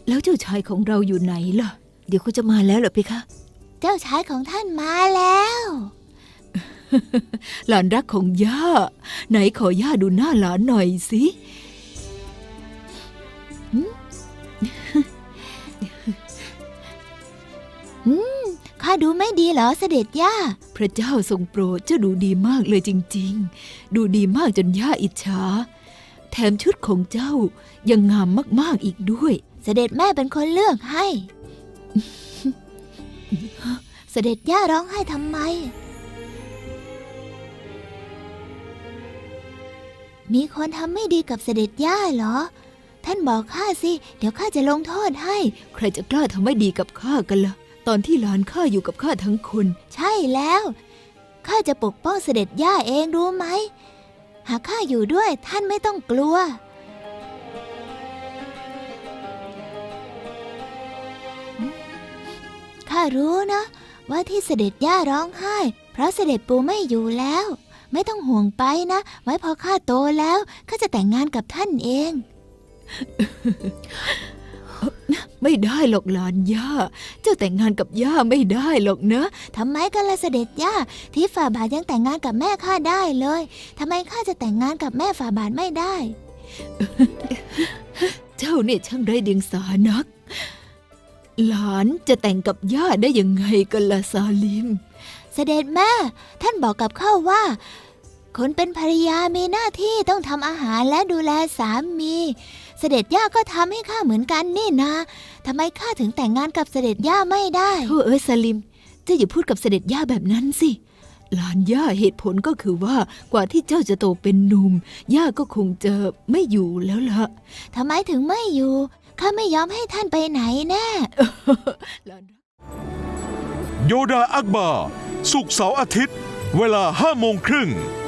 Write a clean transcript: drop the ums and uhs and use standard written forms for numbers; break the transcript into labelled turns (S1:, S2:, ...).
S1: แล้วเจ้าชายของเราอยู่ไหนล่ะเดี๋ยวเขาจะมาแล้วเหรอเพคะ
S2: เจ้าชายของท่านมาแล้ว
S1: หลานรักของย่าไหนขอย่าดูหน้าหลานหน่อยสิ
S2: ข้าดูไม่ดีเหรอเสด็จย่า
S1: พระเจ้าทรงโปรดเจ้าดูดีมากเลยจริงๆดูดีมากจนย่าอิจฉาแถมชุดของเจ้ายังงามมากๆอีกด้วย
S2: เสด็จแม่เป็นคนเลือกให้ เสด็จย่าร้องไห้ทำไมมีคนทำไม่ดีกับเสด็จย่าเหรอท่านบอกข้าสิเดี๋ยวข้าจะลงโทษให้
S1: ใครจะกล้าทำไม่ดีกับข้ากันล่ะตอนที่หลานข้าอยู่กับข้าทั้งคน
S2: ใช่แล้วข้าจะปกป้องเสด็จย่าเองรู้ไหมหากข้าอยู่ด้วยท่านไม่ต้องกลัวข้ารู้นะว่าที่เสด็จย่าร้องไห้เพราะเสด็จปู่ไม่อยู่แล้วไม่ต้องห่วงไปนะไว้พอข้าโตแล้วข้าจะแต่งงานกับท่านเอง
S1: ไม่ได้หรอกหลานย่าเจ้าแต่งงานกับย่าไม่ได้หรอกนะ
S2: ทำไมกันล่ะเสด็จย่าที่ฝ่าบาทยังแต่งงานกับแม่ข้าได้เลยทำไมข้าจะแต่งงานกับแม่ฝ่าบาทไม่ได้
S1: เจ้าเนี่ยช่างไร้เดียงสานักหลานจะแต่งกับย่าได้ยังไงกันล่ะซาลิม
S2: เสด็จแม่ท่านบอกกับข้าว่าคนเป็นภรรยามีหน้าที่ต้องทำอาหารและดูแลสามีเสด็จย่าก็ทำให้ข้าเหมือนกันนี่นะทำไมข้าถึงแต่งงานกับเสด็จย่าไม่ได้
S1: โธ่ซาลิมเจ้าอย่าพูดกับเสด็จย่าแบบนั้นสิหลานย่าเหตุผลก็คือว่ากว่าที่เจ้าจะโตเป็นหนุ่มย่าก็คงจะไม่อยู่แล้วล่ะ
S2: ทำไมถึงไม่อยู่ข้าไม่ยอมให้ท่านไปไหนแน่
S3: โยดาอักบาศุกร์เสาร์อาทิตย์เวลา 5:30 น